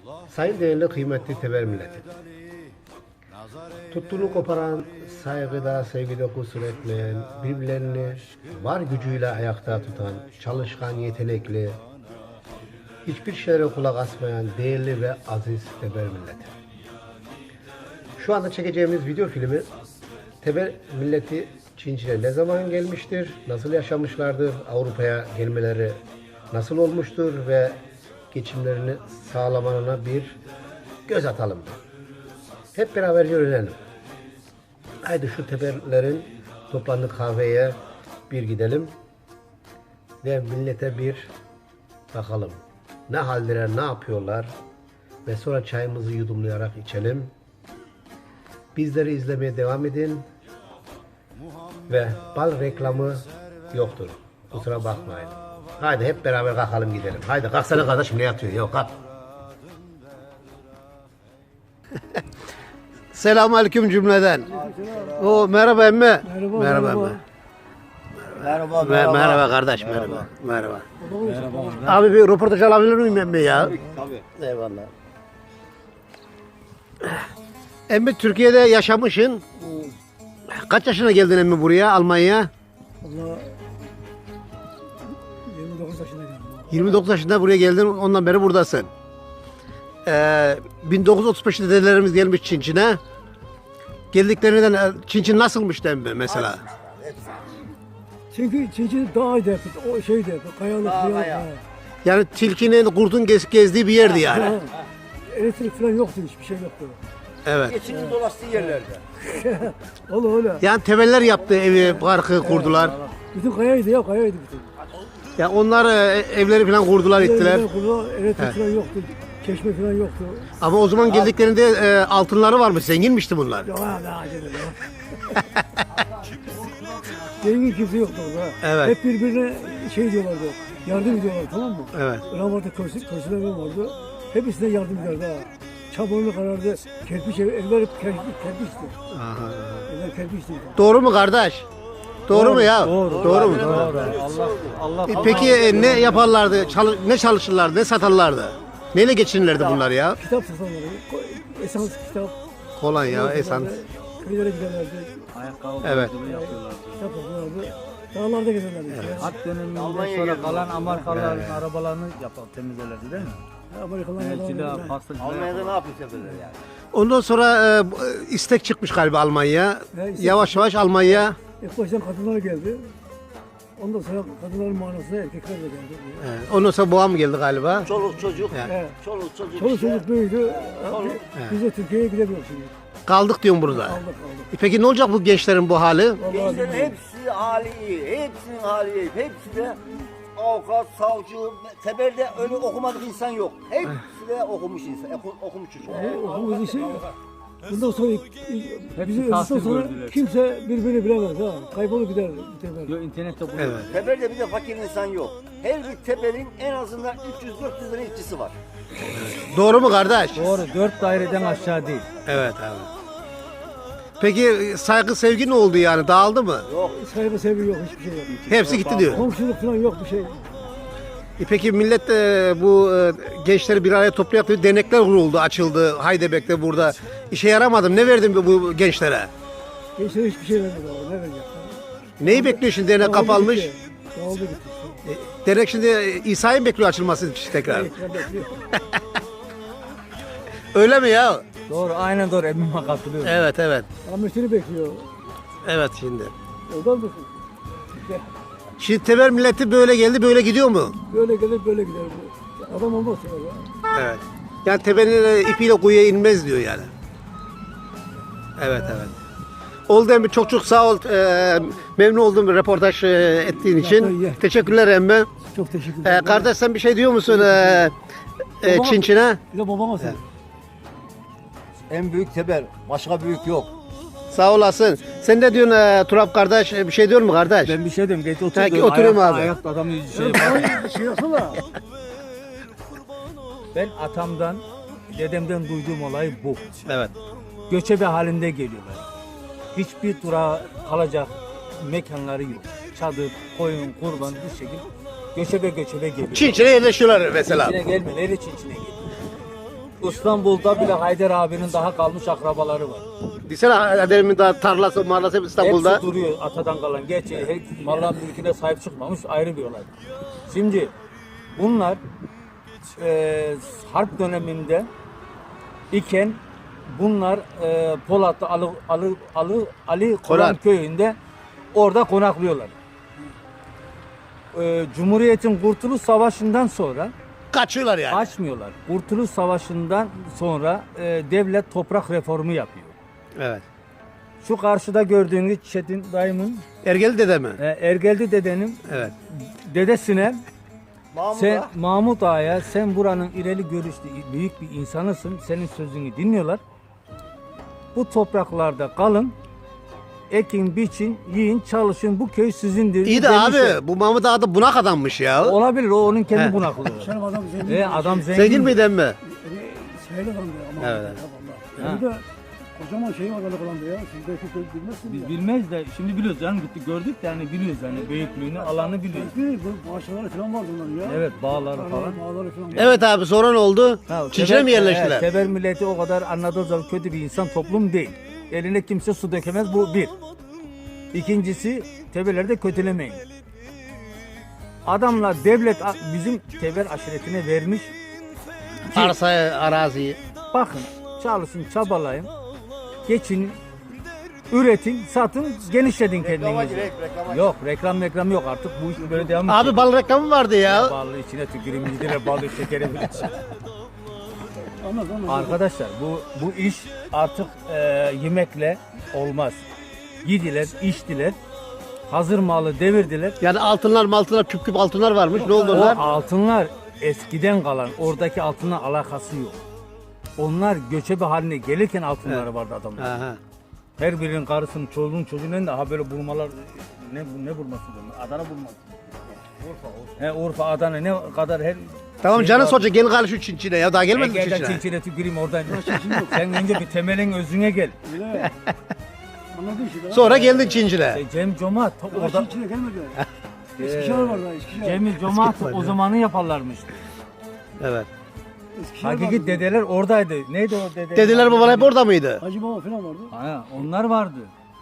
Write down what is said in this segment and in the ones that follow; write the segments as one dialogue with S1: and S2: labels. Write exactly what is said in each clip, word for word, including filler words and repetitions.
S1: Sayın değerli kıymetli Teber milleti. Tuttuğunu koparan, saygıda, sevgide kusur etmeyen, birbirlerini var gücüyle ayakta tutan, çalışkan, yetenekli, hiçbir şeye kulak asmayan değerli ve aziz Teber milleti. Şu anda çekeceğimiz video filmi Teber milleti Çinçin'e ne zaman gelmiştir, nasıl yaşamışlardır, Avrupa'ya gelmeleri nasıl olmuştur ve geçimlerini sağlamalarına bir göz atalım. Hep beraber öğrenelim. Haydi şu Teberlerin toplandığı kahveye bir gidelim ve millete bir bakalım. Ne haldeler, ne yapıyorlar ve sonra çayımızı yudumlayarak içelim. Bizleri izlemeye devam edin ve bal reklamı yoktur. Kusura bakmayın. Haydi hep beraber kalkalım gidelim. Haydi kalksana kardeşim, ne yatıyor? Yok kalk. Selamünaleyküm cümleden. O merhaba emmi. Merhaba
S2: merhaba.
S1: Merhaba.
S2: Merhaba,
S1: Merhaba, merhaba kardeş, merhaba. Merhaba. Merhaba. Abi bir röportaj alabilir miyim emmi ya?
S2: Tabii.
S1: Eyvallah. Emmi Türkiye'de yaşamışsın. Kaç yaşına geldin emmi buraya, Almanya'ya?
S2: Valla yirmi dokuz yaşına geldim.
S1: yirmi dokuz yaşında buraya geldin, ondan beri buradasın. Ee, bin dokuz yüz otuz beşte dedelerimiz gelmiş Çinçin'e. Geldiklerinden Çinçin nasılmış emmi mesela?
S2: Çünkü Çinçin dağıydı, o şeydi, kayalık, kayalık. Ha.
S1: Yani tilkinin, kurdun gez, gezdiği bir yerdi yani.
S2: Ha. Elektrik falan yoktu, hiçbir şey yoktu.
S1: Evet.
S3: Geçinin dolaştığı yerlerde.
S2: Öyle öyle.
S1: Yani temeller yaptı, evi, parkı kurdular.
S2: Bütün kayaydı ya, kayaydı bütün.
S1: Ya onlar e, evleri falan kurdular, ettiler.
S2: Elektrik falan yoktu, çeşme falan yoktu.
S1: Ama o zaman geldiklerinde e, altınları varmış, zenginmişti bunlar.
S2: Ya ne acele ya. Zengin kimse yoktu orada.
S1: Evet.
S2: Hep birbirine şey diyorlardı, yardım ediyorlar, tamam mı?
S1: Evet.
S2: Ramazan köşeler vardı. Hepsine yardım ederdi ha. Çamurlu karardı, kerpiç ev, evler hep kerpiç, kerpiçti.
S1: Aha.
S2: Evler kerpiçti.
S1: Doğru mu kardeş? Doğru,
S2: Doğru,
S1: mu ya?
S2: doğru.
S1: Doğru mu?
S3: Allah Allah.
S1: E, peki e, ne yaparlardı? Çalı- ne çalışırlardı? Ne satarlardı? Neyle geçinirlerdi bunlar ya?
S2: Kitap satanları, ko- esans kitap.
S1: Kolonya, esans.
S2: Köylere giderlerdi,
S3: Ayakkabı
S1: Evet.
S3: yapıyorlar.
S2: kitap satarlardı. Dağlarda gezerlerdi. Evet.
S3: Hat döneminden sonra kalan Amerikalıların arabalarını yapar temizlerdi değil mi?
S2: Amerikalılar
S3: Elçiler, pastacılar.
S4: Almanya'da ne yapıyor seferler yani?
S1: Ondan sonra e, bu- istek çıkmış galiba Almanya'ya.
S2: Ya, istek
S1: Yavaş yavaş Almanya.
S2: İlk baştan kadınlar geldi. Ondan sonra kadınların manasında erkekler de geldi.
S1: e, Ondan sonra boğa mı geldi galiba?
S4: Çoluk çocuk,
S2: Evet.
S4: çoluk çocuk
S2: Çoluk
S4: işte.
S2: çocuk büyüdü. Biz de Türkiye'ye gidemiyoruz şimdi.
S1: Kaldık diyorum burada.
S2: Aldık aldık.
S1: E, peki ne olacak bu gençlerin bu hali?
S2: Vallahi
S4: Gençlerin
S2: bilmiyorum.
S4: hepsi hali iyi, hepsinin hali iyi. Hepsi de avukat, savcı, Teber'de öyle okumadık insan yok. Hepsi de okumuş insan, oku- okumuş çocuk.
S2: Bu okulumuz işi bundan sonra bizi öldükten
S3: tahsil
S2: sonra
S3: gördüler.
S2: kimse birbirini bilemez ha. Kaybolup gider Teber.
S3: Yo internette buluyor.
S1: Evet.
S4: Teber'de bir de fakir insan yok. Her bir Teber'in en azından üç yüz dört yüz tane işçisi var.
S1: Doğru mu kardeş?
S3: Doğru. Dört daireden aşağı değil.
S1: Evet abi. Peki e, saygı sevgi ne oldu yani? Dağıldı mı?
S2: Sahibi sevgi yok, hiçbir şey yok.
S1: Hepsi gitti diyor.
S2: Komşuluk falan yok bir şey.
S1: E peki millet e, bu e, gençleri bir araya toplayarak bir dernekler kuruldu, açıldı. Haydebek'te burada. İşe yaramadım. Ne verdin bu, bu gençlere?
S2: Gençlere hiçbir şey vermedi ama ne verecek?
S1: Neyi bekliyor şimdi? Dernek kapalmış.
S2: gitti. Dağıldı gitti.
S1: E, dernek şimdi e, İsa'yı mı bekliyor açılması için tekrar?
S2: Ekran bekliyor.
S1: Öyle mi ya?
S3: Doğru. Aynen doğru. Emmime katılıyorum.
S1: Evet evet.
S2: Rahmetini bekliyor.
S1: Evet şimdi.
S2: Oradan mısın?
S1: Şimdi Teber milleti böyle geldi, böyle gidiyor mu?
S2: Böyle gelir böyle gider. Adam olmaz ya.
S1: Evet. Yani tepenin e, ipiyle kuyuya inmez diyor yani. Evet evet. Oldu emmi, çok çok sağ ol. Ee, memnun oldum bir röportaj e, ettiğin için.
S2: iyi.
S1: Teşekkürler emmi.
S2: Çok teşekkür
S1: Ee,
S2: ederim.
S1: kardeş sen bir şey diyor musun ee, e,
S2: Babam-
S1: Çinçin'e?
S2: Bir de babama söyle.
S4: En büyük Teber, başka büyük yok.
S1: Sağ olasın. Sen ne diyorsun e, Turap kardeş? E, Bir şey diyor mu kardeş?
S3: Ben bir şey diyorum. Geç otur.
S1: Ha,
S3: diyorum.
S1: oturayım
S3: Ayak-
S1: abi.
S3: Ayakta adam şey
S2: Ay, şey yapsana.
S3: Ben atamdan, dedemden duyduğum olay bu.
S1: Evet.
S3: Göçebe halinde geliyorlar. Hiçbir durağa kalacak mekanları yok. Çadır, koyun, kurban bu şekilde göçebe göçebe geliyor.
S1: Çinçin'e yerleşiyorlar mesela.
S3: Çinçine gelmeleri Çinçine geliyor. İstanbul'da bile Haydar abinin daha kalmış akrabaları var.
S1: Desene adamın da tarlası, marlası hep İstanbul'da.
S3: Hepsi duruyor atadan kalan. Gerçi her malların mülküne sahip çıkmamış ayrı bir olay. Şimdi bunlar e, harp döneminde iken bunlar e, Polatlı Ali, Ali, Ali, Ali Koran
S1: Konak.
S3: köyünde orada konaklıyorlar. E, Cumhuriyet'in Kurtuluş Savaşı'ndan sonra
S1: Kaçıyorlar yani.
S3: açmıyorlar. Kurtuluş Savaşı'ndan sonra e, devlet toprak reformu yapıyor.
S1: Evet.
S3: Şu karşıda gördüğünüz Çetin dayımın,
S1: Ergeli dede mi?
S3: e, Ergeldi dedenin
S1: Evet.
S3: dedesine
S4: Mahmut
S3: sen
S4: Ağa,
S3: Mahmut Ağa'ya sen buranın ileri görüşlü büyük bir insanısın. Senin sözünü dinliyorlar. Bu topraklarda kalın. Ekin, biçin, yiyin, çalışın. Bu köy sizindir.
S1: İyi de
S3: demişler.
S1: abi bu Mahmut Ağa da bunak adammış ya.
S3: Olabilir. O onun kendi
S1: He.
S3: bunaklığı.
S2: Canım adam zengin.
S3: E, adam zengin.
S1: Zengin miydi mi?
S2: Yani şeyle kaldı ama.
S1: Evet, evet.
S2: Yani bir de kocaman şey var öyle kalandı ya. Siz belki bilmezsiniz
S3: Biz
S2: ya.
S3: bilmeyiz de şimdi biliyoruz yani gittik gördük de yani biliyoruz yani büyüklüğünü, alanı biliyoruz.
S2: Belki bu bahçeleri falan vardı onların ya.
S3: Evet, bağları falan.
S2: Bağları falan.
S1: Evet abi sonra ne oldu?
S3: Ha,
S1: Çinçine
S3: Teber-
S1: mi yerleştiler?
S3: Evet, Teber milleti o kadar anladığınız zaman kötü bir insan toplum değil. Eline kimse su dökemez bu bir. İkincisi Teberleri de kötülemeyin. Adamlar devlet a- bizim Teber aşiretine vermiş.
S1: Arsayı, araziyi.
S3: Bakın çalışın çabalayın. Geçin. Üretin, satın, genişletin
S4: reklama
S3: kendinizi.
S4: girek, reklama
S3: Yok reklam reklam yok artık bu iş böyle devam
S1: Abi
S3: edecek.
S1: bal reklamı vardı ya.
S3: Ballı içine tüküreyim yediler balı şekeri bile.
S2: Anlat anlat.
S3: Arkadaşlar bu bu iş artık e, yemekle olmaz. Yediler, içtiler. Hazır malı devirdiler.
S1: Yani altınlar maltınlar küp küp altınlar varmış. Ne oldu
S3: O
S1: onlar?
S3: altınlar eskiden kalan oradaki altınla alakası yok. Onlar göçebe haline gelirken altınları vardı adamlar.
S1: Aha.
S3: Her birinin karısının, çocuğunun çocuğunun da ha böyle burmalar ne ne burması bunlar? Adana burması. Urfa, Urfa. He Urfa, Adana ne kadar her
S1: Tamam
S3: şey
S1: canın
S3: var.
S1: soracak gel gel şu Çinçine ya daha gelmedi mi
S3: Gelden
S1: Çinçine?
S3: çinçine tüküreyim oradan. Sen önce bir temelin özüne gel.
S2: Öyle. Anladın işte. ha?
S1: Sonra geldin Çinçine.
S3: E, Cem Cemaat
S2: Orada.
S3: orada
S2: içine gelmedi. Eskişehir var da Eskişehir.
S3: Cemil Cemaat
S1: Eskişehir
S3: o
S1: var,
S3: zamanı yaparlarmış.
S1: Evet.
S2: Eskişehir
S3: Hakiki
S2: vardı.
S3: dedeler oradaydı. Neydi o dede?
S1: Dedeler babalar hep orada mıydı?
S2: Hacı Baba falan vardı.
S3: Ha, onlar vardı.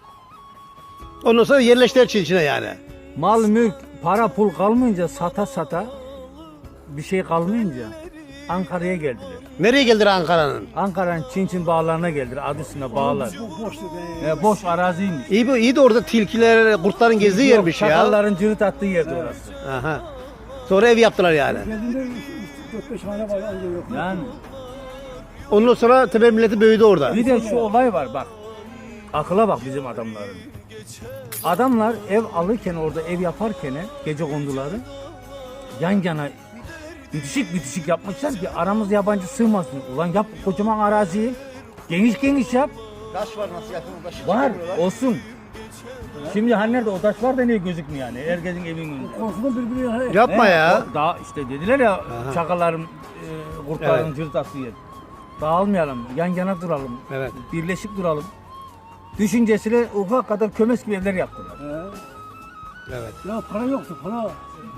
S1: Ondan sonra yerleştiler Çinçine yani.
S3: Mal, mülk, para, pul kalmayınca sata sata bir şey kalmayınca Ankara'ya geldiler.
S1: Nereye geldiler Ankara'nın?
S3: Ankara'nın Çin Çin bağlarına geldiler. Adı üstüne bağlar.
S2: Bu boştu be.
S3: E, boş araziymiş.
S1: İyi, bu- iyi de orada tilkiler, kurtların gezdiği yermiş ya.
S3: Çakalların cırıt attığı yerdi orası.
S1: Aha. Sonra ev yaptılar yani.
S2: Geldiğinde dört beş hane var anca yok.
S3: Yani
S1: Ondan sonra Teber milleti büyüdü orada.
S3: bir de şu olay var bak. Akıla bak bizim adamların. Adamlar ev alırken orada ev yaparken gece konduları yan yana bitişik bitişik yapmışlar ki aramız yabancı sığmasın. Ulan yap kocaman araziyi geniş geniş yap.
S4: taş var nasıl yakın taşı
S3: Var
S4: çıkarıyorlar.
S3: olsun. Şimdi hani nerede o taş var da niye gözükmüyor yani? Herkesin evinin önünde.
S2: Korkudan birbirine
S1: Yapma
S3: He,
S1: ya.
S3: o Daha işte dediler ya çakaların, e, kurtların
S1: Evet.
S3: cırt attığı yer. Dağılmayalım, yan yana duralım,
S1: Evet.
S3: birleşik duralım. Düşüncesiyle ufak kadar kömes gibi evler yaptılar.
S2: He.
S1: Evet.
S2: Ya para yoktu para.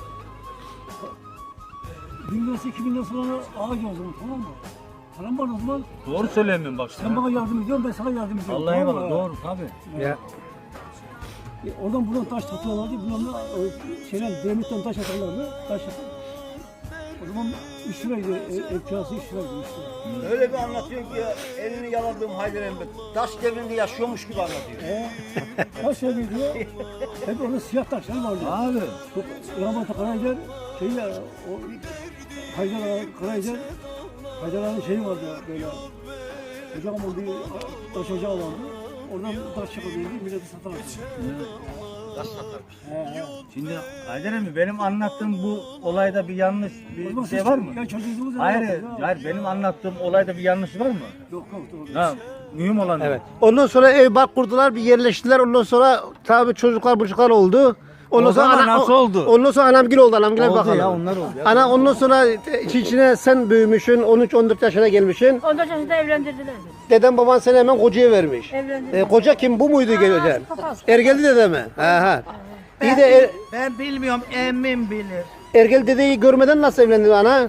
S2: Bin lirası iki bin lirası sonra ağaç oldu tamam mı? Param var o zaman.
S3: Doğru söylemiyorum bak
S2: Sen bana yardım ediyorsun ben sana yardım ediyorum.
S3: Allah'a
S2: tamam mı?
S3: eyvallah doğru tabii.
S1: Ya.
S2: E, oradan buradan taş atıyorlardı. Buradan da e, şeyler demirden taş atarlardı. Taş atıyor. O zaman üç liraydı. E, ev kirası üç liraydı. üç lira.
S4: Öyle bir anlatıyor ki ya, elini yaladığım Haydar Emre taş devrinde yaşıyormuş gibi anlatıyor.
S2: E, taş evi diyor. Hep orada siyah taşlar vardı.
S3: Abi
S2: Çok Rahmetli Karayicer şey ya o Haydar Ağa, Karayicer Haydar Ağa'nın şeyi vardı böyle ocağım oldu taş ocağı vardı. Oradan taş çıkıyordu milleti satardı.
S4: Taş satarmış.
S2: He he.
S3: şimdi Haydar emmi benim anlattığım bu olayda bir yanlış
S2: O zaman
S3: bir şey
S2: siz-
S3: var mı?
S2: Ya çocuğunuz ya.
S3: Hayır,
S2: ya.
S3: hayır benim anlattığım olayda bir yanlış var mı?
S2: Yok yok doğru.
S3: Ha, mühim olan
S1: Evet. Ondan sonra ev bak kurdular, bir yerleştiler. Ondan sonra tabii çocuklar buçuklar oldu. Ondan
S3: O zaman nasıl oldu?
S1: Ondan sonra anamgil oldu, anamgile
S3: Oldu
S1: bakalım.
S3: ya, onlar oldu ya.
S1: Ana ondan sonra Çinçine sen büyümüşsün, on üç on dört yaşına gelmişsin.
S5: on dört yaşında evlendirdiler beni.
S1: Dedem baban seni hemen kocaya vermiş.
S5: Evlendirdiler.
S1: E, koca kim, bu muydu geleceğin?
S5: papaz.
S1: Ergeli dede mi? Aha. İyi de er,
S6: Ben bilmiyorum, emmim bilir.
S1: Ergeli dedeyi görmeden nasıl evlendin ana?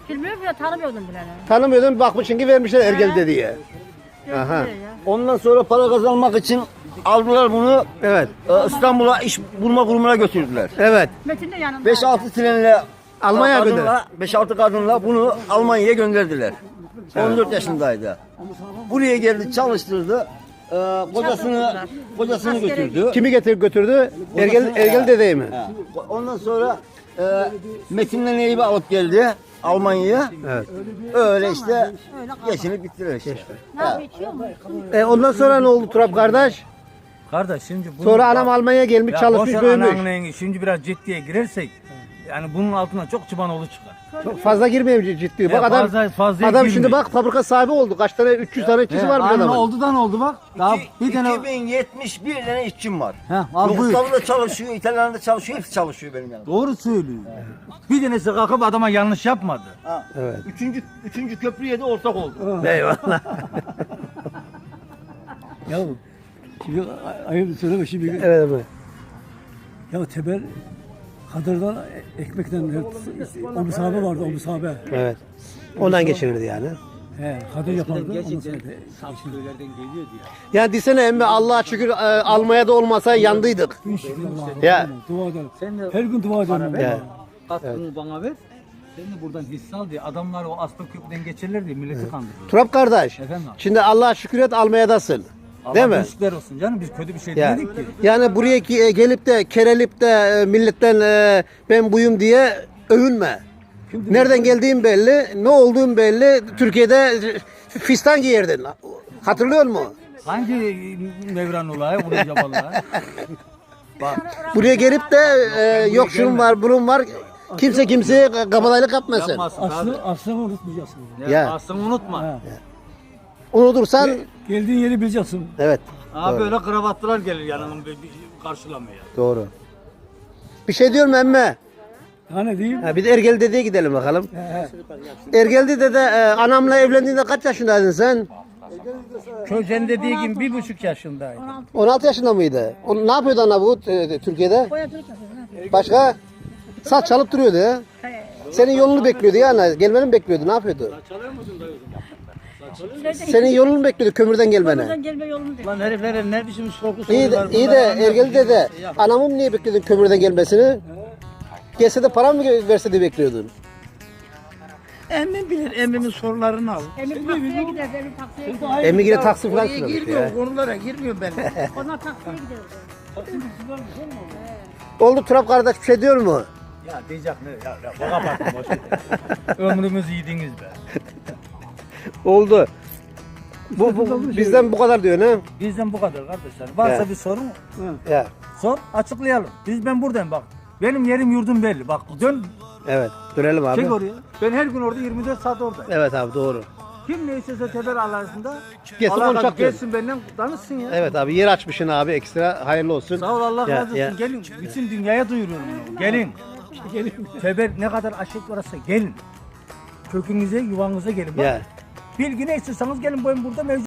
S5: Bilmiyorum ya tanımıyordum bile.
S1: Tanımıyordun bakmışsın ki vermişler Ergel diye. Aha.
S5: Ya.
S4: Ondan sonra para kazanmak için aldılar bunu.
S1: Evet.
S4: e, İstanbul'a iş bulma kurumuna götürdüler.
S1: Evet.
S5: Metin de yanında.
S4: beş altı trenle
S1: Almanya'ya
S4: kadınla, beş altı kadınla bunu Almanya'ya gönderdiler. on dört yaşındaydı. Buraya geldi, çalıştırdı. Ee, kocasını kocasını
S5: Askere
S4: götürdü.
S1: Kimi getirip götürdü? Ergel,
S4: Kocasını-
S1: Ergel dedeyi mi?
S4: He. Ondan sonra e, Metin'le Neyip'i alıp geldi Almanya'ya.
S1: Evet.
S4: Öyle işte geçinip bittiler işte.
S5: Ne yapıyor içiyor mu?
S1: E ondan sonra ne oldu Turap kardeş?
S3: Kardeş şimdi bunu
S1: Sonra anam Almanya'ya gelmiş
S3: Ya
S1: çalışmış
S3: boş ver
S1: büyümüş.
S3: ananla yenge. Şimdi biraz ciddiye girersek yani bunun altına çok çıbanoğlu çıkar.
S1: Çok fazla girmeyeyim ciddi. Bak
S3: Ya
S1: adam
S3: fazla- fazla
S1: adam
S3: girmeyin.
S1: şimdi bak fabrika sahibi oldu. Kaç tane üç yüz tane işçisi var bir
S3: Anne
S1: adamın.
S3: oldudan oldu bak. Daha bir tane
S4: iki bin yetmiş bir tane işçim var.
S3: Heh, al buyur.
S4: Yugoslavya'da çalışıyor, İtalyan'da çalışıyor, hepsi çalışıyor benim yanımda.
S3: Doğru söylüyor. Bir tanesi kalkıp adama yanlış yapmadı.
S4: Ha.
S1: Evet.
S4: Üçüncü, üçüncü köprüye de ortak oldu.
S1: Eyvallah.
S2: Ya şimdi ay- ayıp söyleme şimdi.
S1: Evet abi.
S2: Ya Teber Kadır'dan ekmekten o müsabe vardı o müsabe.
S1: Evet. Ondan geçinirdi yani.
S2: He, Kadir yapardı. Ondan sonra
S3: Köylerden geliyordu ya.
S1: Ya desene emmi Allah'a şükür e, Almanya'da olmasa yandıydık. Ya.
S2: dua ederim.
S3: Sen de
S2: Her gün dua ederim.
S1: Ya.
S3: katkını bana ver. Sen de buradan hisse al diye adamlar o aslı köprüden geçerler diye milleti kandırıyor.
S1: Turap kardeş.
S3: Efendim abi.
S1: Şimdi Allah'a şükür et Almanya'dasın. Değil mi?
S3: Allah şükürler olsun canım biz kötü bir şey
S1: Ya.
S3: demedik ki.
S1: Yani buraya ki- e, gelip de kerelip de e, milletten e, ben buyum diye övünme. Nereden geldiğin belli, ne olduğun belli. Türkiye'de e, fistan giyerdin. Hatırlıyor musun?
S3: Hangi Mevran olayı vurunca vallahi.
S1: Buraya gelip de e, yok şunun var, bunun var. Kimse kimseye kabadayılık yapmasın.
S3: Yapmasın
S2: Aslı,
S3: tabii.
S2: aslını unutmayacaksın.
S3: Ya.
S1: Ya.
S3: Aslını unutma.
S2: Ha.
S1: Unutursan
S2: Geldiğin yeri bileceksin.
S1: evet.
S3: Abi böyle kravatlılar gelir yanına bir, bir karşılamaya.
S1: Doğru. Bir şey diyorum emme.
S2: Ya ne diyeyim?
S1: Ha, bir de Ergel dedeye gidelim bakalım.
S2: He.
S1: Ergel dede e, anamla evlendiğinde kaç yaşındaydın sen?
S3: Közen dediği gibi bir buçuk yaşındaydı.
S1: on altı yaşında mıydı? O, ne yapıyordu ana bu e, Türkiye'de?
S5: Boyacılık yapıyor. Ne yapıyor?
S1: Başka? Saç çalıp duruyordu ya. Senin yolunu bekliyordu ya ana. Gelmeni mi bekliyordu? Ne yapıyordu? Senin yolunu mu bekliyordu kömürden gelmeni?
S5: Buradan gelme yolunu değil.
S3: Lan heriflere ne biçim soru
S1: İyi de, iyi de Ergel dede anamın niye bekliyordun kömürden gelmesini? Gelse de para mı verse de bekliyordun?
S3: Emmim bilir, emmimin sorularını al.
S5: Emin taksiye gider. Emin taksiye gider.
S1: Emmi yine taksi falan
S3: Oraya
S1: sürüyormuş ya.
S3: girmiyorum, konulara girmiyorum ben.
S5: Onlar taksiye gider.
S1: Oldu Turap kardeş bir şey diyor mu?
S3: Ya diyecek ne? Ya, ya baka bakın boş ver. Ömrümüzü yediniz be.
S1: Oldu. Bu, bu bizden bu kadar diyor ne?
S3: Bizden bu kadar kardeşler. Varsa
S1: Ya.
S3: bir sorun
S1: Ya.
S3: sor, açıklayalım. Biz ben buradayım bak. Benim yerim yurdum belli. Bak dön,
S1: Evet. Dönelim abi.
S3: çek oraya. Ben her gün orada yirmi dört saat oradayım.
S1: Evet abi doğru.
S3: Kim ne istese teber arasında
S1: Gelsin
S3: Allah
S1: konuşak
S3: razı-
S1: diyor.
S3: gelsin benden danışsın ya.
S1: Evet abi yer açmışsın abi ekstra hayırlı olsun.
S3: Sağ ol Allah
S1: Ya,
S3: razı olsun.
S1: ya.
S3: Gelin bütün dünyaya duyuruyorum bunu. Gelin. Gelin. Teber ne kadar aşık varsa gelin. Kökünüze, yuvanıza gelin. Bak,
S1: Ya.
S3: bilgi ne istiyorsanız gelin, ben burada mevcut.